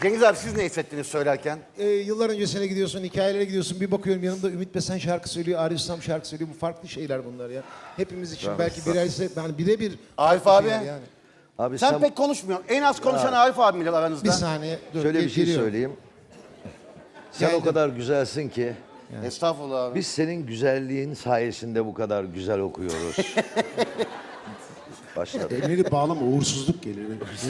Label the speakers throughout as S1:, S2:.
S1: Cengiz abi siz ne hissettiniz söylerken?
S2: Yıllar öncesine gidiyorsun, hikayelere gidiyorsun. Bir bakıyorum yanımda Ümit Besen şarkı söylüyor, Arif Sam şarkı söylüyor. Bu farklı şeyler bunlar ya. Hepimiz için belki yani birebir...
S1: Arif
S2: farklı
S1: abi.
S2: şeyler Yani.
S3: Abi
S1: Sen pek konuşmuyorsun. En az konuşan Arif abimle aranızda.
S2: Bir saniye. Dur,
S3: şöyle bir şey
S2: geliyorum.
S3: söyleyeyim. Sen
S2: Geldim.
S3: o kadar güzelsin ki
S1: Estağfurullah abi.
S3: biz senin güzelliğin sayesinde bu kadar güzel okuyoruz. Başladı.
S4: Elleri bağlama, uğursuzluk gelir.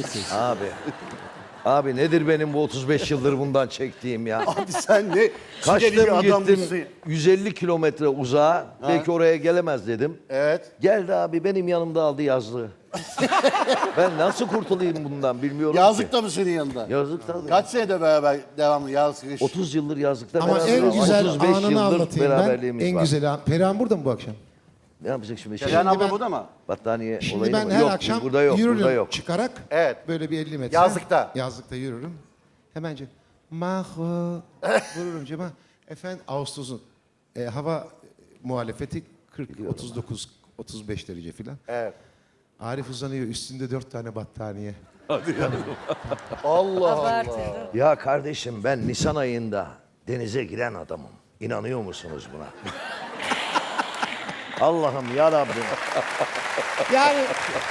S3: Abi nedir benim bu 35 yıldır bundan çektiğim ya?
S1: Abi sen ne
S3: Kaçtım
S1: şiddetli bir adammışsın.
S3: gittim 150 kilometre uzağa. Belki oraya gelemez dedim.
S1: Evet.
S3: Geldi abi benim yanımda aldı yazlığı. Ben nasıl kurtulayım bundan bilmiyorum
S1: Yazlık
S3: ki.
S1: da mı senin yanında?
S3: Yazlık tabii.
S1: Kaç senede beraber devamlı yaz kış?
S3: 30 yıldır yazlıkta
S2: Ama
S3: beraberiz.
S2: en güzel
S3: 35
S2: anını
S3: yıldır
S2: anlatayım ben.
S3: beraberliğimiz
S2: En
S3: var.
S2: güzel an. Perihan burada mı bu akşam?
S3: Ne yapacak şimdi?
S1: Ceren abla
S2: ben-
S1: burada mı?
S3: Battaniye
S2: Şimdi
S3: olayı
S2: ben
S3: mı?
S2: her
S3: Yok,
S2: akşam
S3: burada yok,
S2: yürürüm
S3: burada yok.
S2: çıkarak.
S1: Evet.
S2: Böyle bir 50 metre.
S1: Yazlıkta.
S2: Yazlıkta yürürüm. Hemence Maho vururum cama. Efendim Ağustos'un hava muhalefeti 40, 39, 35 derece filan.
S1: Evet.
S2: Arif uzanıyor üstünde 4 tane battaniye.
S1: Allah Allah.
S3: Ya kardeşim ben Nisan ayında denize giren adamım. İnanıyor musunuz buna? Allah'ım ya Rabbim.
S2: Yani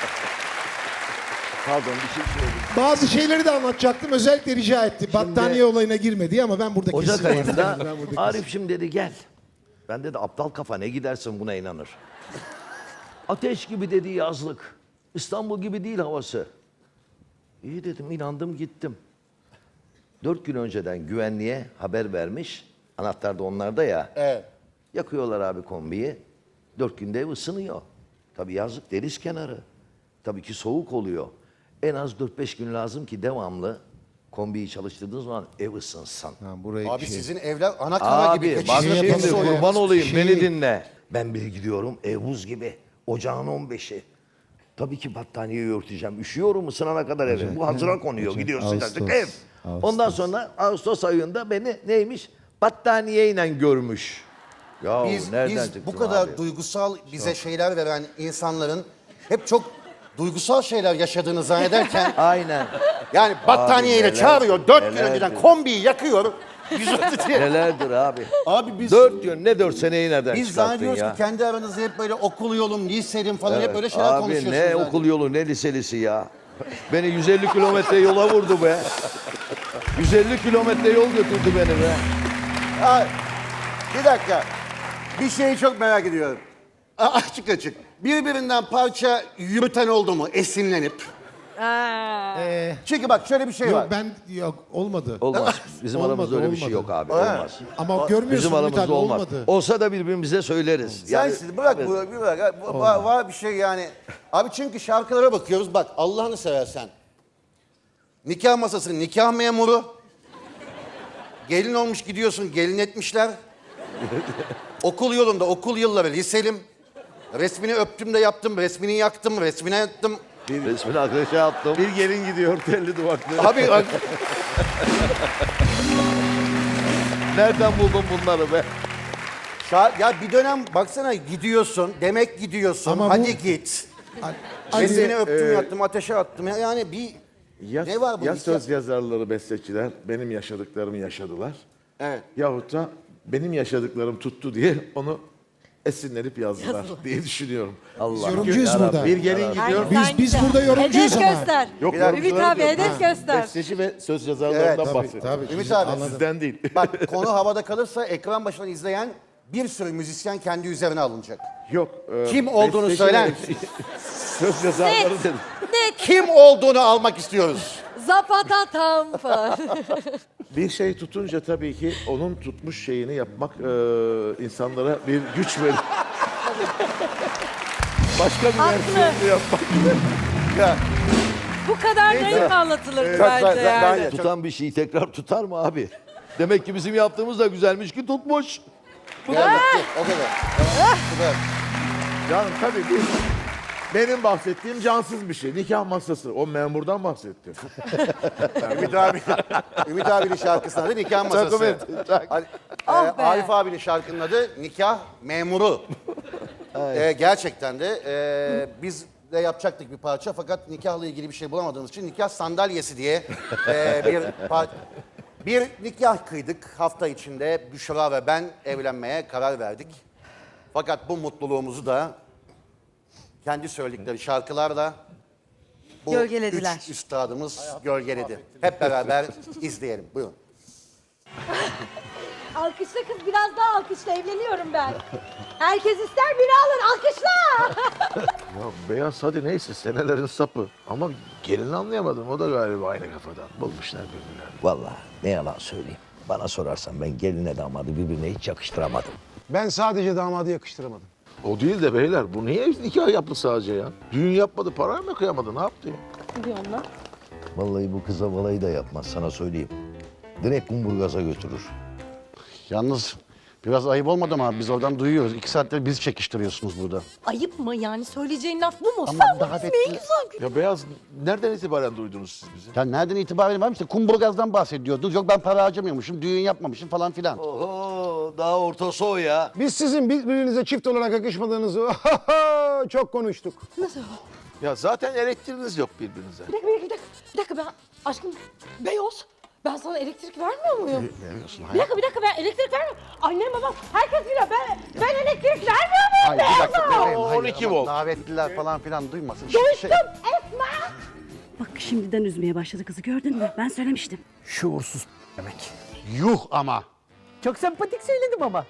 S3: Pardon bir şey söyleyeyim.
S2: bazı şeyleri de anlatacaktım. Özellikle rica etti. Battaniye olayına girmedi ama ben burada
S3: Ocak
S2: kesin.
S3: ayında
S2: Ben burada
S3: Arif'cim dedi gel. Ben dedi aptal kafa ne gidersin buna inanır. Ateş gibi dedi yazlık. İstanbul gibi değil havası. İyi dedim inandım gittim. 4 gün önceden güvenliğe haber vermiş. Anahtar da onlarda ya.
S1: Evet.
S3: Yakıyorlar abi kombiyi. 4 günde ev ısınıyor. Tabii yazlık deniz kenarı. Tabii ki soğuk oluyor. En az 4-5 gün lazım ki devamlı kombiyi çalıştırdığınız zaman ev ısınsın.
S2: Ha, burayı
S1: Abi
S2: şey-
S1: sizin evler ana kara gibi.
S3: Abi bak
S1: Geçiş
S3: şimdi
S1: yapısı oluyor.
S3: kurban olayım
S2: Şey-
S3: beni dinle. Ben bir gidiyorum ev buz gibi. Ocağın 15'i. Tabii ki battaniyeyi örteceğim. Üşüyorum ısınana kadar eve. Bu hazıra konuyor.
S2: Ocak,
S3: Gidiyor
S2: Ağustos,
S3: sıcacık ev.
S2: Ağustos.
S3: Ondan sonra Ağustos ayında beni neymiş? Battaniyeyle görmüş. Ya nereden
S1: Biz
S3: çıktın
S1: bu kadar
S3: abi?
S1: duygusal bize şeyler veren insanların hep çok duygusal şeyler yaşadığını zannederken
S3: Aynen.
S1: yani battaniyeyle
S3: neler-
S1: çağırıyor 4 gün
S3: neler
S1: önceden
S3: diyor.
S1: kombiyi yakıyor. diye.
S3: Nelerdir abi?
S1: Abi biz
S3: 4 gün ne 4 seneyi nereden
S1: biz
S3: çıkarttın
S1: zannediyoruz
S3: ya?
S1: ki kendi aranızda hep böyle okul yolum, liselim falan hep böyle şeyler
S3: Abi
S1: konuşuyorsunuz.
S3: ne
S1: yani.
S3: okul yolu ne liselisi ya. Beni 150 kilometre yola vurdu be. 150 kilometre yol götürdü beni be.
S1: Ay, bir dakika. Bir şeyi çok merak ediyorum. Açık açık. Birbirinden parça yürüten oldu mu esinlenip? Çünkü bak şöyle bir şey var.
S2: Yok olmadı.
S3: Olmaz. Bizim
S2: Olmadı,
S3: aramızda öyle bir şey
S2: olmadı.
S3: yok abi.
S1: Evet.
S3: Olmaz.
S2: Ama görmüyorsun
S3: Bizim
S2: Ümit
S3: aramızda
S2: abi,
S3: olmaz.
S2: olmadı.
S3: Olsa da birbirimize söyleriz.
S1: Sen siz bırak
S3: evet.
S1: bırak. Var bir şey yani. Abi çünkü şarkılara bakıyoruz. Bak Allah'ını seversen. Nikah masası, nikah memuru. Gelin olmuş gidiyorsun, gelin etmişler. Okul yolunda, okul yılları, liselim. Resmini öptüm de yaptım, resmini yaktım, resmine yattım.
S3: Resmini arkadaşa attım.
S4: Bir gelin gidiyor telli duvaklı.
S1: Abi bak,
S3: Nereden buldun bunları be?
S1: ya bir dönem baksana gidiyorsun, demek gidiyorsun,
S2: Ama bu-
S1: hadi git.
S2: Hadi,
S1: Resmini öptüm, yattım, ateşe attım. Yani bir ne var bu?
S4: Ya
S1: nikah?
S4: söz yazarları, besteciler benim yaşadıklarımı yaşadılar.
S1: Evet.
S4: Yahut da benim yaşadıklarım tuttu diye onu esinlenip yazdılar diye düşünüyorum.
S3: Allah.
S2: yorumcuyuz burada.
S4: Bir gelin gidiyor.
S2: Biz burada yorumcuyuz
S5: hedef
S2: ama.
S5: göster.
S4: Yok,
S1: dakika.
S5: Ümit
S4: yorumcuları
S5: abi
S4: diyorum.
S5: hedef göster.
S4: Besteci ve söz yazarlarından
S1: Evet,
S4: bahsediyorum.
S2: Tabii.
S1: Ümit abi.
S2: Anladım.
S4: Sizden değil.
S1: Bak konu havada kalırsa ekran başından izleyen bir sürü müzisyen kendi üzerine alınacak.
S4: Yok.
S1: Kim olduğunu
S4: besteci
S1: söyler
S4: ve
S1: misin?
S4: Söz yazarları dedim.
S1: Kim olduğunu almak istiyoruz.
S5: Zapata tam falan.
S4: Bir şey tutunca tabii ki onun tutmuş şeyini yapmak insanlara bir güç verir. Başka bir
S5: Haklı.
S4: versiyonunu yapmak.
S1: Ya,
S5: Bu kadar naif anlatılır bence
S1: ben-
S5: yani.
S3: Tutan bir şeyi tekrar tutar mı abi? Demek ki bizim yaptığımız da güzelmiş ki tutmuş.
S1: o kadar. O kadar.
S4: Canım tabii benim bahsettiğim cansız bir şey. Nikah masası. O memurdan bahsettim.
S1: Ümit abinin şarkısının adı Nikah Masası.
S5: Ah be.
S1: Arif abinin şarkının adı Nikah Memuru. Gerçekten de biz de yapacaktık bir parça fakat nikahla ilgili bir şey bulamadığımız için nikah sandalyesi diye bir nikah kıydık hafta içinde. Büşra ve ben evlenmeye karar verdik. Fakat bu mutluluğumuzu da kendi söyledikleri şarkılarla bu
S5: Gölgelediler.
S1: üç üstadımız gölgeledi. Hep beraber izleyelim. Buyurun.
S6: Alkışla kız, biraz daha alkışla, evleniyorum ben. Herkes ister, biri alır, alkışla.
S4: Ya beyaz hadi neyse senelerin sapı. Ama gelini anlayamadım. O da galiba aynı kafadan. Bulmuşlar birbirlerini.
S3: Vallahi ne yalan söyleyeyim. Bana sorarsan ben gelinle damadı birbirine hiç yakıştıramadım.
S2: Ben sadece damadı yakıştıramadım.
S4: O değil de beyler bu niye nikah yaptı sadece ya? Düğün yapmadı, para mı kıyamadı, ne yaptı ya?
S3: Vallahi bu kıza balayı da yapmaz sana söyleyeyim. Direkt Kumburgaz'a götürür.
S1: Yalnız biraz ayıp olmadı mı abi? Biz oradan duyuyoruz. 2 saattir bizi çekiştiriyorsunuz burada.
S6: Ayıp mı yani, söyleyeceğin laf bu mu?
S1: Ama
S6: Sen bu
S1: davetli-
S6: ismi en güzel.
S4: Ya beyaz nereden itibaren duydunuz siz bizi?
S1: Ya nereden itibaren var mı? İşte Kumburgaz'dan bahsediyordunuz. Yok ben para harcamıyormuşum, düğün yapmamışım falan filan.
S3: Oho daha ortası o ya.
S2: Biz sizin birbirinize çift olarak yakışmadığınızı çok konuştuk.
S4: Ya zaten elektriğiniz yok birbirinize.
S6: Bir dakika ben aşkım Beyoz. Ben sana elektrik vermiyor muyum?
S1: Vermiyorsun
S6: Bir dakika ben elektrik vermiyorum. Annem babam herkes biliyor. Ben elektrik vermiyor muyum?
S1: Hayır bir dakika
S6: Beyoz'a?
S1: bebeğim. Hayır,
S4: 12
S1: ama
S4: volt.
S1: Davetliler falan filan duymasın.
S6: Duydum Esma.
S7: Bak şimdiden üzmeye başladı kızı gördün mü? Ben söylemiştim.
S1: Şuursuz demek. Yuh ama.
S5: Çok sempatik söyledim ama.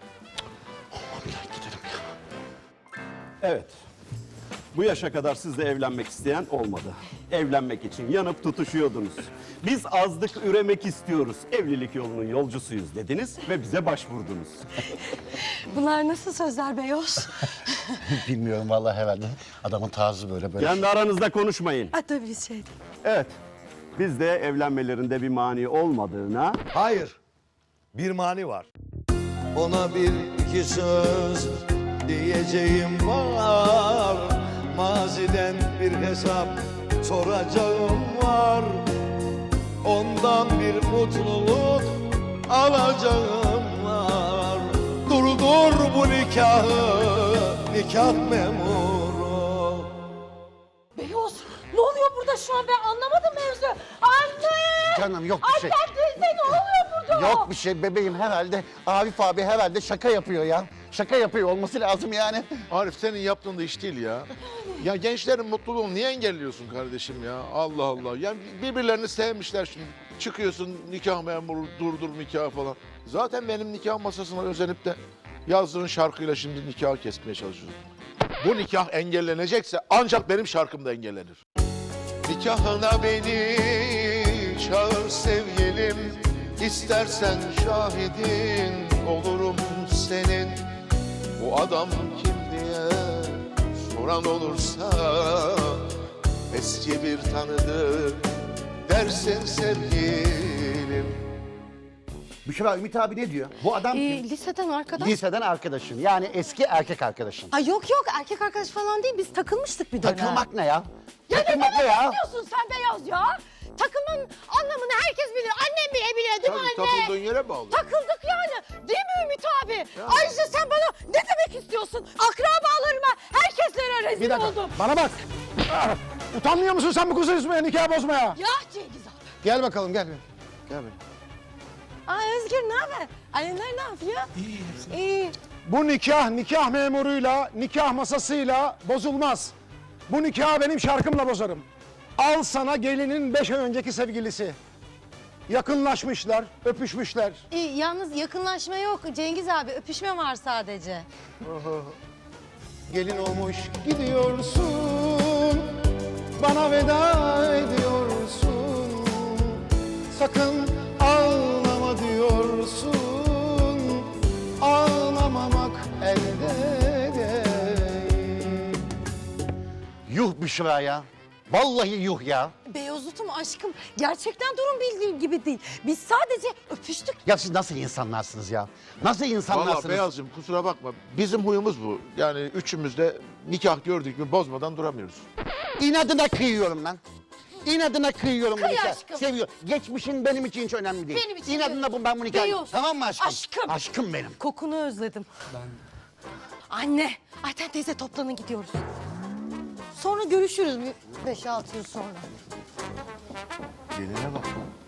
S8: Evet. Bu yaşa kadar sizle evlenmek isteyen olmadı. Evlenmek için yanıp tutuşuyordunuz. Biz azlık üremek istiyoruz. Evlilik yolunun yolcusuyuz dediniz ve bize başvurdunuz.
S6: Bunlar nasıl sözler Beyoz?
S1: Bilmiyorum vallahi herhalde. Adamın tarzı böyle.
S8: Kendi aranızda konuşmayın.
S6: Ha tabii şey.
S8: Evet. Biz de evlenmelerinde bir mani olmadığına
S3: Hayır. Bir mani var. Ona bir iki söz diyeceğim var. Maziden bir hesap soracağım var. Ondan bir mutluluk alacağım var. Durdur bu nikahı, nikah memuru.
S6: Beyoz ne oluyor burada şu an, ben anlamadım mevzu. Anne!
S1: Canım yok bir şey.
S6: Annem teyze ne oluyor burada?
S1: Yok bir şey bebeğim herhalde. Arif abi herhalde şaka yapıyor ya. Şaka yapıyor olması lazım yani.
S4: Arif senin yaptığın da iş değil ya. Ya gençlerin mutluluğunu niye engelliyorsun kardeşim ya? Allah Allah. Yani birbirlerini sevmişler şimdi. Çıkıyorsun nikah memuru, durdur nikah falan. Zaten benim nikah masasına özenip de yazdığın şarkıyla şimdi nikahı kesmeye çalışıyorsun. Bu nikah engellenecekse ancak benim şarkım da engellenir. Nikahına beni çağır sevgilim. İstersen şahidin olurum senin. Bu adam kim diye soran olursa eski bir tanıdık dersin sevgilim.
S1: Büşra Ümit abi ne diyor? Bu adam kim?
S6: Liseden arkadaş.
S1: Liseden arkadaşın. Yani eski erkek arkadaşın.
S6: Ay yok erkek arkadaş falan değil, biz takılmıştık bir dönem.
S1: Takılmak ne ya?
S6: Ya ne
S1: Takılmak
S6: demek
S1: ne ya?
S6: istiyorsun sen Beyaz ya? Takılmanın anlamını herkes bilir. Annem bile biliyor değil mi
S4: Tabii
S6: anne?
S4: takıldığın yere bağlı.
S6: Takıldık yani. Değil mi Ümit abi? Ayrıca sen bana ne demek istiyorsun? Akrabalarıma, herkeslere rezil
S2: Bir dakika
S6: oldum.
S2: bana bak. Utanmıyor musun sen bu kızı üzmeye, nikah bozmaya?
S6: Ya Cengiz abi.
S2: Gel bakalım gel. Gel benim.
S6: Aa Özgür ne haber? Anneler ne yapıyor? İyi.
S2: Bu nikah memuruyla, nikah masasıyla bozulmaz. Bu nikahı benim şarkımla bozarım. Al sana gelinin 5 ay önceki sevgilisi. Yakınlaşmışlar, öpüşmüşler.
S9: Yalnız yakınlaşma yok Cengiz abi, öpüşme var sadece.
S2: Gelin olmuş gidiyorsun, bana veda ediyorsun. Sakın ağlama diyorsun, ağlamamak elde değil.
S1: Yuh Büşra ya. Vallahi yuh ya.
S6: Beyazıt'ım aşkım, gerçekten durum bildiğin gibi değil. Biz sadece öpüştük.
S1: Ya siz nasıl insanlarsınız ya? Nasıl insanlarsınız?
S4: Vallahi Beyazcığım kusura bakma. Bizim huyumuz bu. Yani üçümüz de nikah gördük mü bozmadan duramıyoruz.
S1: İnadına kıyıyorum lan. İnadına kıyıyorum bu
S6: Kıy
S1: nikahı.
S6: aşkım.
S1: Seviyorum. Geçmişin benim için hiç önemli değil.
S6: Benim için
S1: İnadına
S6: de.
S1: bu ben bu nikahı.
S6: Beyoz.
S1: Tamam mı aşkım?
S6: Aşkım.
S1: Aşkım benim.
S6: Kokunu özledim. Anne, Ayten teyze toplanın gidiyoruz.
S9: Sonra görüşürüz bir 5-6 yıl sonra.
S4: Geline bak.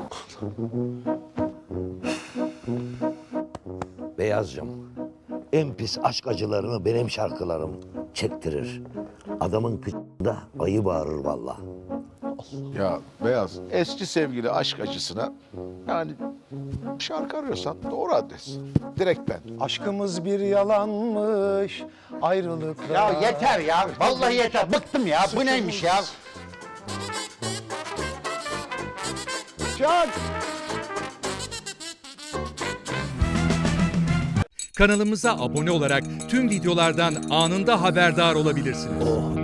S3: Beyazcığım, en pis aşk acılarını benim şarkılarım çektirir. Adamın kıçında ayı bağırır vallahi.
S4: Ya Beyaz, eski sevgili aşk acısına yani şarkı arıyorsan doğru adres. Direkt ben.
S2: Aşkımız bir yalanmış, ayrılıklar.
S1: Ya yeter ya. Vallahi yeter. Bıktım ya. Bu neymiş ya?
S2: Çak!
S10: Kanalımıza abone olarak tüm videolardan anında haberdar olabilirsiniz.